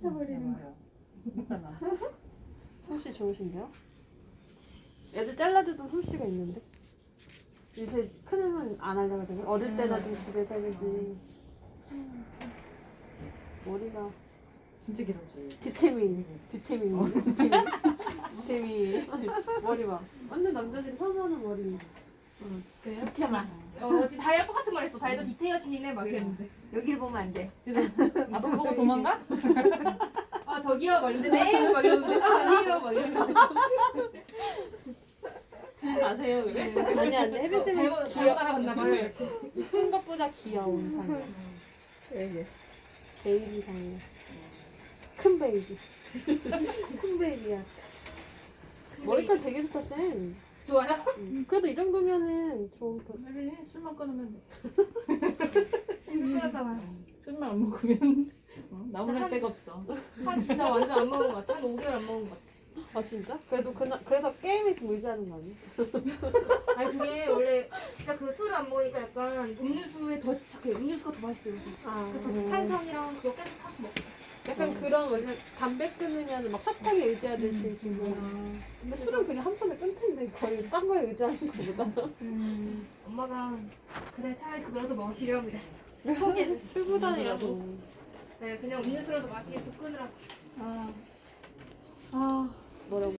해버리는 거야. 있잖아. 솜씨 좋으신데요? 애들 잘라줘도 솜씨가 있는데. 요새 큰애는 안 하려고 하잖아요. 어릴 때나 좀 집에서 해야지. 머리가 진짜 길었지. 디테밀. 머리 봐. 완전 남자들이 선호하는 머리. 그래요? 디테만. 지금 다이랑 똑같은 말 했어. 다이도 디테 여신이네 막 이랬는데. 여기를 보면 안 돼. 나도 보고 도망가? 아 저기요 막 이랬는데 네? 막 이러는데 아니에요 막 이러는데. 아세요 그래? 아니 혜빈 쌤은 잘못 알아봤나 봐요 이렇게. 이쁜 것보다 귀여운 상이야. 왜? 베이비 상이야. 큰 베이비. 큰 베이비야. 머리카락 되게 좋다 쌤. 좋아요? 그래도 이 정도면은 좋은 거. 혜빈이 술만 끊으면 돼. 술 끊었잖아요. 술만 안 먹으면 나무랄 데가 없어. 한 진짜 완전 안 먹은 것 같아. 한 5개월 안 먹은 것 같아. 아 진짜? 그래서 게임에 좀 의지하는 거 아니야? 아니 그게 원래 진짜 그 술을 안 먹으니까 약간 음료수에 더 집착해요. 음료수가 더 맛있어요. 요새. 그래서 탄산이랑 그거 계속 사서 먹고. 약간 그런 왜냐면 담배 끊으면 막 사탕에 의지하듯이 지금. 근데 술은 그냥 한 번에 끊는데 거의 딴 거에 의지하는 거보다. 엄마가 그래 차라리 그거라도 마시렴 이랬어. 포기했어. 술보다이라도. 네, 그냥 음료수라도 마시면서 끊으라고. 아 뭐라고?